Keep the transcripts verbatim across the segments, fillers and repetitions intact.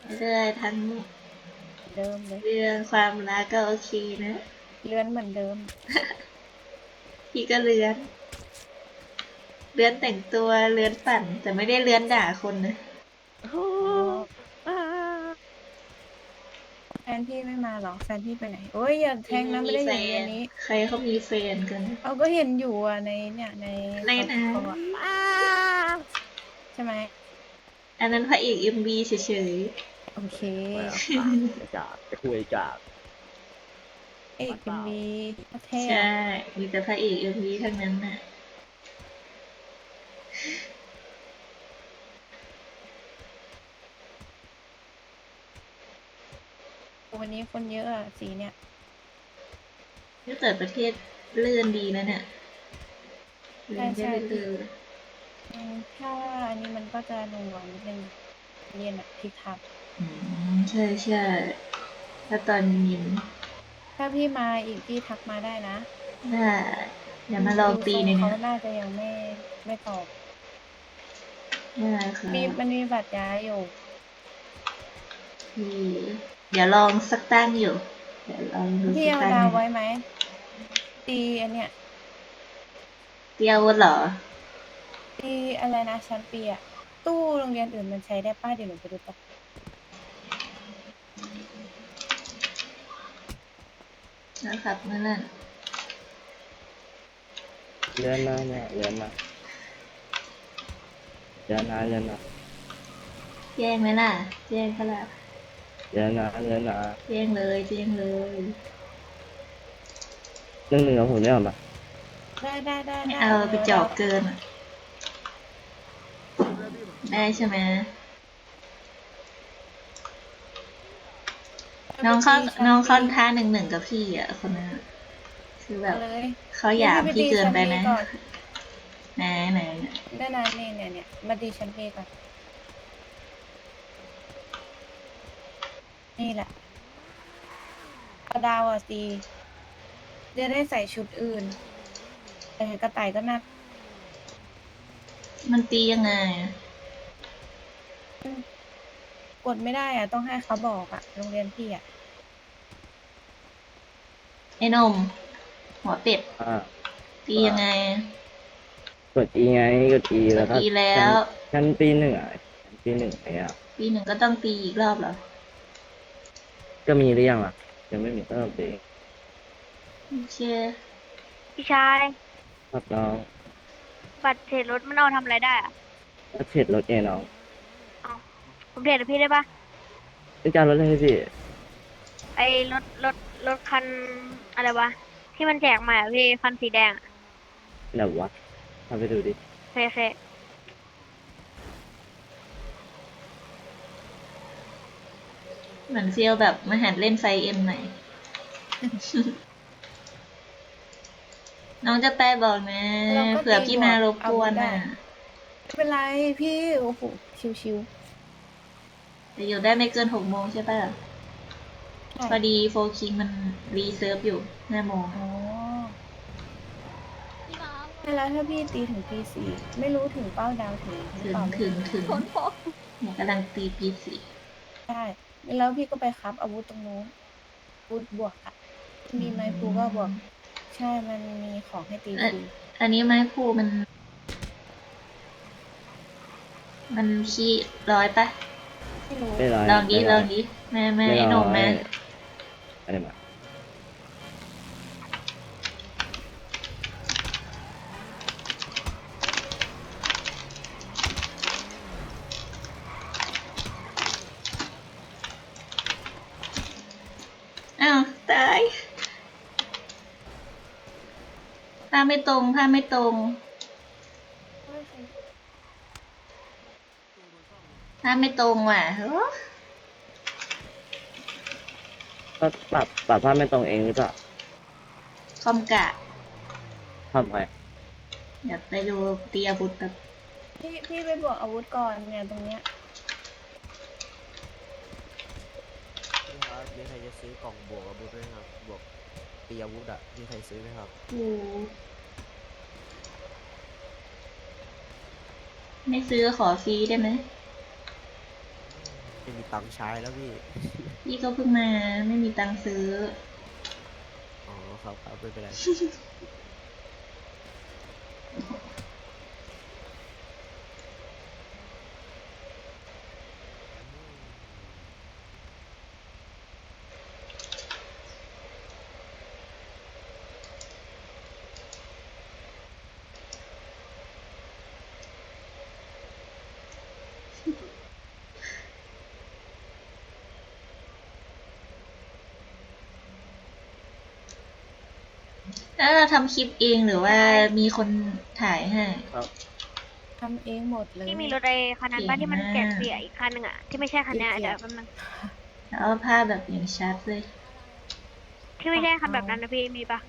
เรื่อยทั้งเดิมเลยเรื่องความรักก็โอเคนะเลื่อนเหมือนเดิมพี่ก็เลื้อนเลื้อนแต่งตัวเลื้อนปั่นแต่ไม่ได้เลื้อนด่าคนนะโอ้อ๋ออ่าแฟนพี่ไม่มาหรอแฟนพี่ไปไหนโอ้ยอย่าแทพี่งนะไม่ไม่มีแฟได้อยู่โรงเรียนนนี้ใครเขามีแฟนกันเอาก็เห็นอยู่อ่ะในเนี่ยในในสนะตออะอ่าใช่ไหมอันนั้นพระเอกเอ็มบีเฉยโอเคไม่เอาอ่ะจะกาดจะคุยกาดเอกปัดเปล่าเอ็มวีเท่ๆใช่อะมีแต่พระเอกเอ็มบีทั้งนั้นน่ะวันนี้คนเยอะอะสีเนี่ยถ้าเกิดประเทศเลื่อนดีนะเนี่ยเลื่ใช่อนได้ใช่พี่เรื่อยอืมถ้าอันนี้มันก็จะหน่วงๆนิดนึงเรียนอะพี่ทับๆอืมใช่ใช่ถ้าตอนเย็นถ้าพี่มาอีกพี่ทักมาได้นะน่าเดี๋ยวมาลองดูทรงเขาตีในเนี้ยน่าจะยังไม่ไม่ตอบได้ค่ะมีมันมีบัตรย้ายอยู่พี่เดี๋ยวลองสักตั้งอยู่เดี๋ยวลองดูพี่เอาสักตั้งหนึ่งดาวไว้ไหมตีอันเนี้ยเตียวเหรอตีอะไรนะชั้นปีอะตู้โรงเรียนอื่นมันใช้ได้ป้าเดี๋ยวหนูไปดูแป๊บนะครับนั่นน่ะเลื่อนนะเนี่ยเลื่อนนะเลื่อนนะเลื่อนนะแย่งไหมล่ะแย่งเขาละเลื่อนนะเลื่อนนะแย่งเลยแย่งเลยเรื่องหนึ่งของผมเนี่ยหรอมาได้ได้ได้ไม่ได้เอาไปเดี๋ยวดาวจอกเกินอะได้ใช่ไหมน้องเข้าไปตีชั้นปีน้องเข้าท่าหนึ่งหนึ่งกับพี่อ่ะคนนั้นอะคือแบบเอาเลยเขาหงั้นยามพี่พี่ไปตีชั้นเกินไปไหมปีก่อนไหนไหนได้นะนี่เนี่ยเนี่ยมาตีชั้นปีก่อนนี่แหละเอาดาวอ่ะตีจะได้ใส่ชุดอื่นแต่กระต่ายก็น่ามันตียังไงอะกดไม่ได้อ่ะต้องให้เขาบอกอ่ะโรงเรียนพี่อ่ะไอ้นมหัวเป็ดอ่าตีว่ายังไงกด E ไงกด E กแล้วก็ดอีแล้ชั้นวชั้นปีหนึ่งอ่ะชั้นปีหนึ่งไอ่ะปีหนึ่งก็ต้องตีอีกรอบเหรอก็มีหรือยังล่ะยังไม่มีก็ต้องตีโอเคพี่ชายครับน้องบัตรเทรดรถมันเอาทำอะไรได้อะก็เช็ดรถเองน้องเอาผมเทรดกับพี่ได้ปะเป็นการรถให้พี่ไอ้รถรถรถคันอะไรวะที่มันแจกมาอะพี่คันสีแดงอะเดี๋ยววะทำไปดูดิเคเคเหมือนเซียวแบบมาหัดเล่นไฟเอ็มหน่อย น้องจะแปลบอกนะเราก็เผื่อตีบวกพี่มารบอากวนวุธได้อ่ะไม่เป็นไรพี่โอ้โหชิวแต่อยู่ได้ไม่เกินหกโมงใช่ป่ะๆใช่พอดีโฟคิงมันรีเซิร์ฟอยู่ห้าโมงอ๋อใช่แล้วถ้าพี่ตีถึงตีสี่ไม่รู้ถึงเป้าดาวถึงหรือถึงเปล่าไม่ถึงรู้นะถึงเนี่ยกำลังตีปีสี่ใช่แล้วพี่ก็ไปครับอาวุธตรงนู้นอาวุธบวกอ่ะมีไม้พลูก็บวกใช่มันมีของให้ตีเอ่อฟรีอันนี้ไม้พูมันมันขี้ร้อยปะไม่รู้ไม่ร้อยลองดิไม่ร้อยลองดิแม่แม่ไม่ไอ้หร้อยนุ่มแม่อะไรมาอ้าวตายผ้าไม่ตรงผ้าไม่ตรงผ้าไม่ตรงว่ะเฮ้อก็ปรับปรับภาพไม่ตรงเองหรือเปล่าคอมกะทำไงเดี๋ยวไปดูตีอาวุธแบบพี่พี่ไปบวกอาวุธก่อนเนี่ยตรงเนี้ยพี่ครับมีใครจะซื้อกล่องบวกอาวุธไหมครับบวกตีอาวุธอะมีใครซื้อไหมครับโอ้ไม่ซื้อขอฟรีได้ไหมไม่มีตังค์ใช้แล้วพี่พี่ก็เพิ่งมาไม่มีตังค์ซื้ออ๋อครับครับไม่เป็นไรแล้วเราทำคลิปเองหรือว่ามีคนถ่ายให้ครับทำเองหมดเลยที่มีรถไอ้คันนั้นบ้านเก่งที่มันแจกมากเสียอีกคันหนึ่งอะที่ไม่ใช่คันเนี้ยอีกเดี๋ยวเกียร์แป๊บนึงแล้วภาพแบบอย่างชัดเลยที่ไม่ใช่คันแบบนั้นนะพี่มีปะ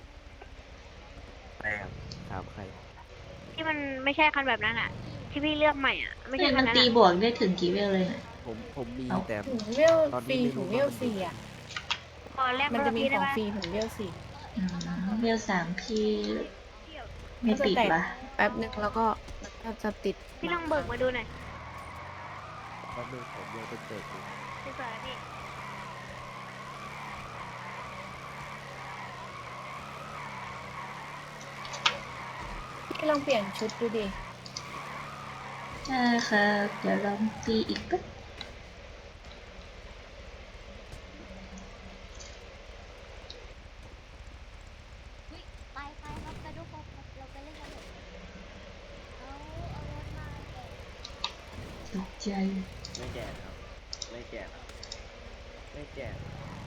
แปลกถามใครที่มันไม่ใช่คันแบบนั้นอะที่พี่เลือกใหม่อะไม่ใช่เฮ้ยคัมัน นนั้นตีอะบวกได้ถึงกี่เวลเลยนะผมผมมีเอ้าแต่ถึงเวลตอนฟนี้รีไม่ถึรู้งเวว่าลมันสี่อยู่อ่ะพอแลกมันรจะถมีพี่ขได้องปะฟรีถึงเวลสี่อืมเวลสามพี่ไม่ก็จะติดแตกวะแป๊บนึงแล้วก็แล้วก็จะติดพี่ลองเบิกมาดูหน่อยแป๊บนึงผมยังเป็นเด็กอยู่พี่สวยพี่พี่ลองเปลี่ยนชุดดูดิใช่ค่ะเดี๋ยวลองตีอีกปึ๊บอุ๊ยไปไปครับไปดูครับเราไปเล่นกันเถอะเอาเอารถมาแกะตกใจไม่แจกครับ ไม่แจกครับไม่แจก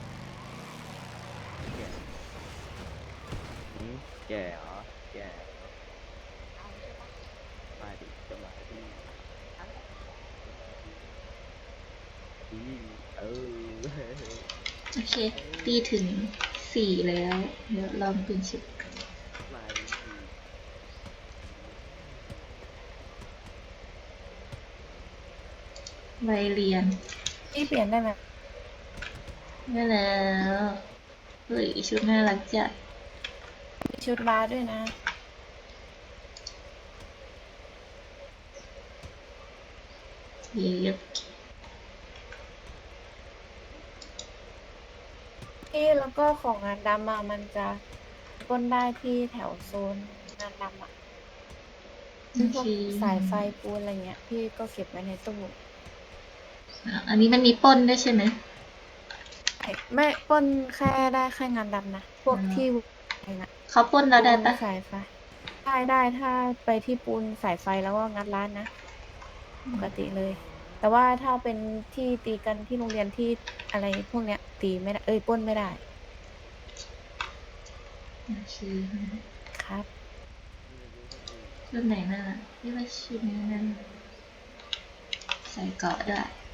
ไม่แจกหืมแจกเหรอแจกเอาใช่ปะมาดิจะมาดิเอาเลยอืมเออโอเค ตีถึงสี่แล้ว เดี๋ยวลองเปลี่ยนชุดมาดิใบเรียนพี่เปลี่ยนได้ไหมได้แล้วเฮ้ยชุดน่ารักจัดมีชุดบาสด้วยนะเย็บพี่แล้วก็ของงานดำอะมันจะปล้นได้ที่แถวโซนงานดำอะโอพวกเคสายไฟปูนอะไรเงี้ย พี่ก็เก็บไว้ในตู้อ่ะอันนี้มันมีปล้นด้วยใช่ไหมไอ้ไม่ปล้นแค่ได้แค่งานดำนะ พวกอ๋อที่อะไรนะเขาปล้นเราได้ปูนปะสายไฟ ได้ได้ถ้าไปที่ปูนสายไฟแล้วก็งัดร้านนะ ปกติเลย แต่ว่าถ้าเป็นที่ตีกันที่โรงเรียนที่อะไรพวกเนี้ย ตีไม่ได้ เอ้ยปล้นไม่ได้โอเคครับชุดไหนน่ารักนี่ว่าชุดนี้นั่นใส่เกราะด้วย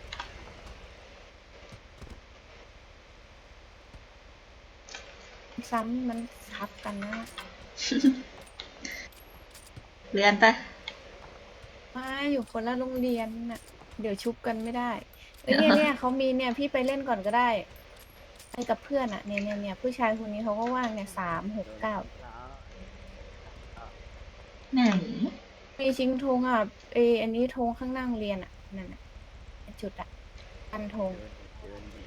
ซ้ำมันทับกันนะเรียนปะไม่อยู่คนละโรงเรียนน่ะ เดี๋ยวชุบกันไม่ได้เอ้ยเนี่ยเนี่ยเขามีเนี่ยพี่ไปเล่นก่อนก็ได้ไปกับเพื่อนอ่ะเนี่ยเนี่ยเนี่ยผู้ชายคนนี้เขาก็ว่างเนี่ยสามหกเก้าไหนมีชิงธงอ่ะเอออันนี้ธงข้างหน้าโรงเรียนอ่ะนั่นน่ะจุดอ่ะปันธงเดินดิ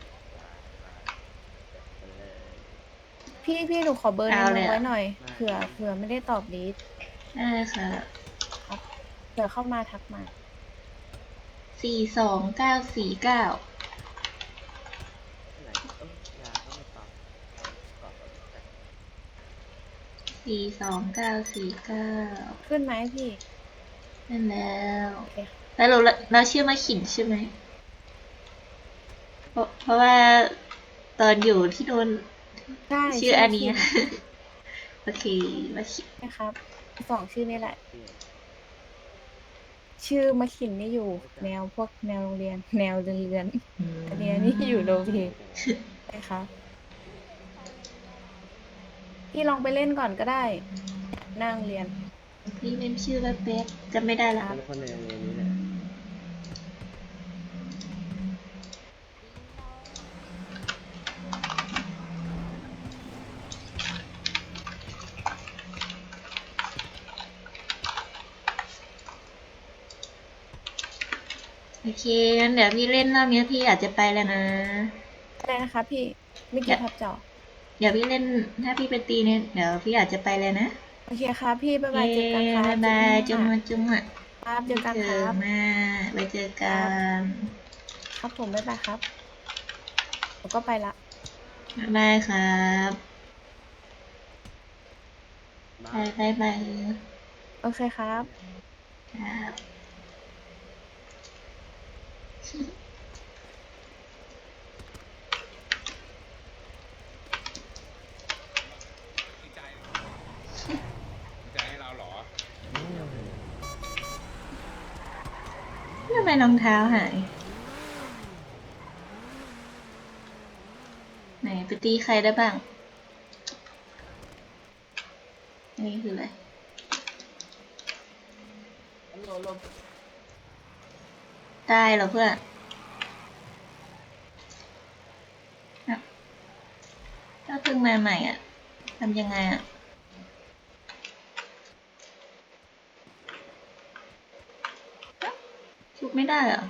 เออพี่พี่หนูขอเบอร์ในเอาน้เลองยไว้อะหน่อยเผื่อเผื่อไม่ได้ตอบดีดได้ค่ะเผื่อเข้ามาทักมาสี่สองเก้าสี่เก้าไหนเอ้ยยาก็ไม่ตอบตอบแบบแต่สี่สองเก้าสี่เก้าขึ้นไหมพี่นั่นแล้วโอเคแล้วเราเราชื่อมาขินใช่ไหมเพราะเพราะว่าตอนอยู่ที่โดนใช่ชื่ออันนี้ขิโอเคมาขินนะครับสองชื่อนี่แหละเปลี่ยนชื่อมะขินนี่อยู่ แนวพวกแนวโรงเรียน แนวเรือนอืมๆอันเนี้ยนี่อยู่โรงเรียนใช่ครับพี่ลองไปเล่นก่อนก็ได้นั่งเรียนพี่เมมชื่อว่าเป๊ะจำไม่ได้ละคนคนในโรงเรียนนี้แหละโอเคงั้นเดี๋ยวพี่เล่นรอบนี้พี่อาจจะไปแล้วนะอะไรนะคะพี่ไม่เกี่ยวพับจอเดี๋ยวพี่เล่นถ้าพี่ไปตีเนี่ยเดี๋ยวพี่อาจจะไปเลยนะโอเคครับพี่บ๊ายบายเย้เจอกันครับบ๊ายบายจุ๊บเจอมากันจุ๊บมาครับเจอกันเจคอรับมาไปเจอกันครับผมบ๊ายบายครับผมก็ไปละบ๊ายบายครับบายบายบายโอเคครับครับใจให้เราเหรอทำไมรองเท้าหาย ไหนไปตีใครได้บ้าง อันนี้คืออะไร ได้เหรอเพื่อนอ่ะถ้าเพิ่งมาใหม่อ่ะทำยังไงอ่ะ ชุบไม่ได้เหรอ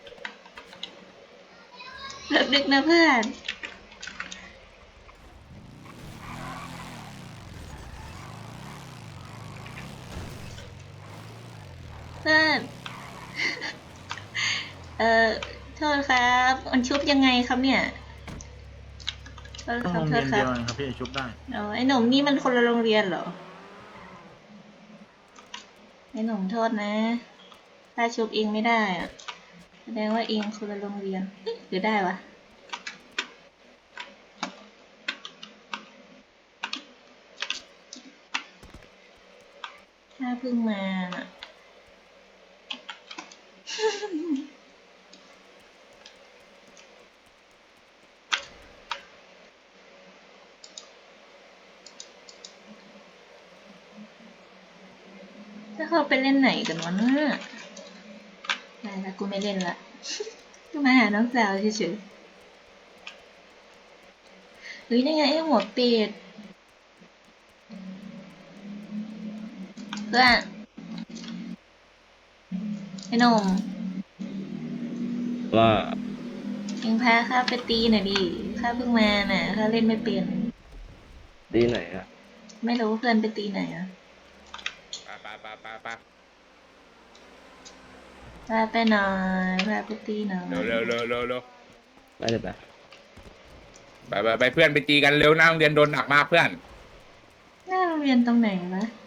เลิกดึกนะเพื่อน เพื่อน เอ่อ โทษครับมันชุบยังไงครับเนี่ย โทษต้องครับโรงโทเรียษนครัเดีบยวกันครับพี่ชุบได้อ๋อไอ้หนุ่มนี่มันคนละโรงเรียนเหรอ ไอ้หนุ่มโทษนะ ถ้าชุบเองไม่ได้อะแสดงว่าเองคนละโรงเรียนเอ๊ะหรือได้วะ ถ้าเพิ่งมาน่ะ ถ้าเขาไปเล่นไหนกันวะเนี่ยได้ละกูไม่เล่นละ กูมาหาน้องสาวเฉยๆเฮ้ยนี่ไงไอ้หัวเป็ดเพื่อนไอ้หนุ่มว่าเอ็งพาข้าไปตีหน่อยดิข้าเพิ่งมาน่ะข้าเล่นไม่เป็นดีไหนอะไม่รู้เพื่อนไปตีไหนอ่ะไปไปไปไปพาไปหน่อยพาไปตีหน่อยเร็วเร็วเร็วเร็วเร็วไปเลยไปไปไปไปเพื่อนไปตีกันเร็วหน้าโรงเรียนโดนหนักมากเพื่อนหน้าโรงเรียนตรงไหนวะ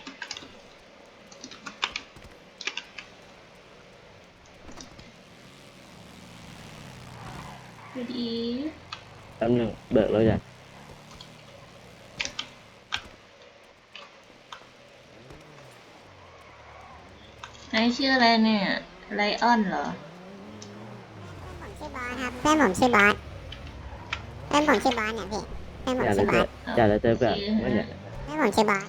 ดูดีแป๊บหนึงเบิกแล้วอยากไอชื่ออะไรเนี่ยไลออนเหรอผมชื่อบอสครับเพื่อนผมชื่อบอสเพื่อนผมชื่อบอสเนี่ยพี่เพื่อนผมอยากชื่จะอบเจออสอยากจะเจอแบบโอเคไม่อยากเพื่อนผมชื่อบอส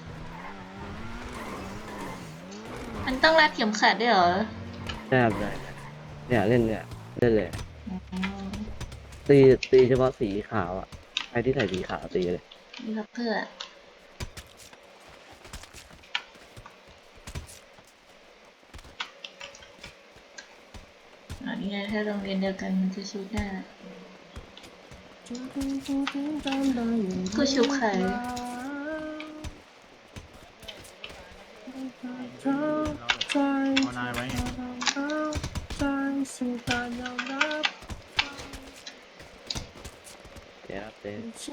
มันต้องรัดเข็มขัดด้วยเหรอได้ครับได้เนี่ยเล่นเนี่ยเล่นเลยอ๋อตีตีเฉพาะสีขาวอ่ะใครที่ใส่สีขาวตีเลยนี่ครับเพื่ออันนี้ไงถ้าโรงเรียนเดียวกันมันจะชุบได้กูชุบใครเอานายไว้ไงเดี๋ยวครับเต้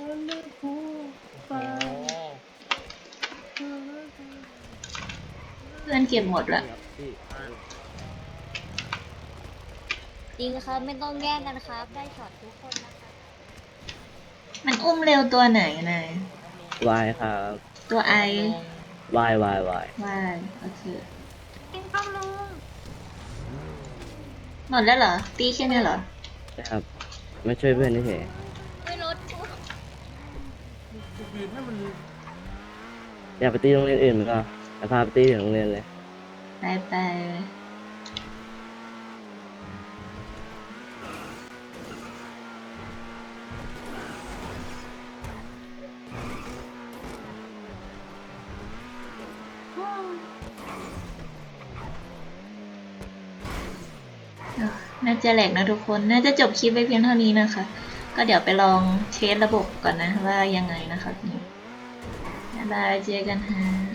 เพื่อนเก็บหมดละพี่จริงครับไม่ต้องแย่งกันครับ ได้ช็อตทุกคนนะคะมันอุ้มเร็วตัวไหนนายวายครับตัวไอวายวายวายวายโอเคหมดแล้วเหรอ ตีแค่นี้เหรอนะครับมาช่วยเพื่อนนี่เฉยไม่ลดอยากไปตีโรงเรียนอื่นมันก็จะพาไปตีถึงโรงเรียนเลยไปไปเออน่าจะแหลกนะทุกคน น่าจะจบคลิปไปเพียงเท่านี้นะคะ ก็เดี๋ยวไปลองเทสระบบก่อนนะว่ายังไงนะคะนี่บ๊ายบายเจอกันฮะ